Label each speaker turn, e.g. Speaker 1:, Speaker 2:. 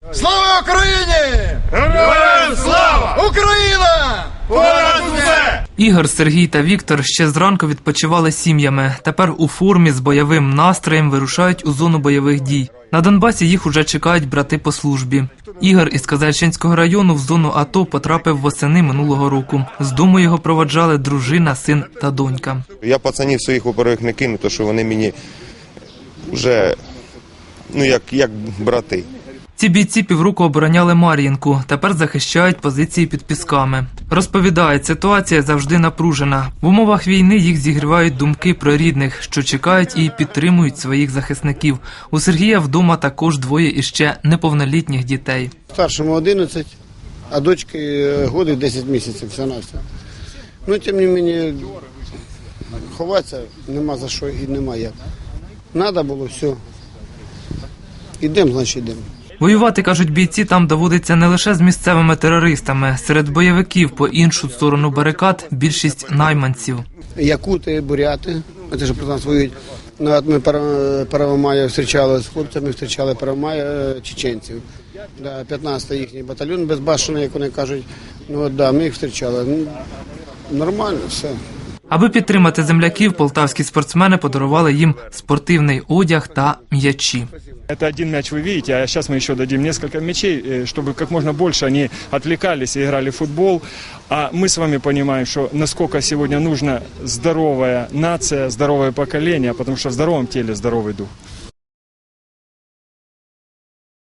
Speaker 1: Слава Україні!
Speaker 2: Героям слава!
Speaker 1: Україна!
Speaker 2: Понад усе!
Speaker 3: Ігор, Сергій та Віктор ще зранку відпочивали сім'ями. Тепер у формі з бойовим настроєм вирушають у зону бойових дій. На Донбасі їх уже чекають брати по службі. Ігор із Казальчинського району в зону АТО потрапив восени минулого року. З дому його проводжали дружина, син та донька.
Speaker 4: Я пацанів своїх, во-первых, не кину, тому що вони мені вже, як брати.
Speaker 3: Ці бійці півроку обороняли Мар'їнку, тепер захищають позиції під Пісками. Розповідають, ситуація завжди напружена. В умовах війни їх зігрівають думки про рідних, що чекають і підтримують своїх захисників. У Сергія вдома також двоє іще неповнолітніх дітей.
Speaker 5: Старшому 11, а дочки годи 10 місяців, все на все. Ну, тим не менше, ховатися нема за що і нема як. Надо було, все. Ідемо, значить йдемо.
Speaker 3: Воювати, кажуть бійці, там доводиться не лише з місцевими терористами. Серед бойовиків по іншу сторону барикад більшість найманців.
Speaker 5: Якути, буряти, це ж про нас воюють. Ну, от ми Первомая зустрічали з хлопцями, зустрічали Первомая чеченців. 15-й їхній батальйон безбашений, як вони кажуть. Ну, от, ми їх зустрічали. Нормально, все.
Speaker 3: Аби підтримати земляків, полтавські спортсмени подарували їм спортивний одяг та м'ячі.
Speaker 6: Это один мяч вы видите, а сейчас мы еще дадим несколько мячей, чтобы как можно больше они отвлекались и играли в футбол. А мы с вами понимаем, что насколько сегодня нужна здоровая нация, здоровое поколение, потому что в здоровом теле здоровый дух.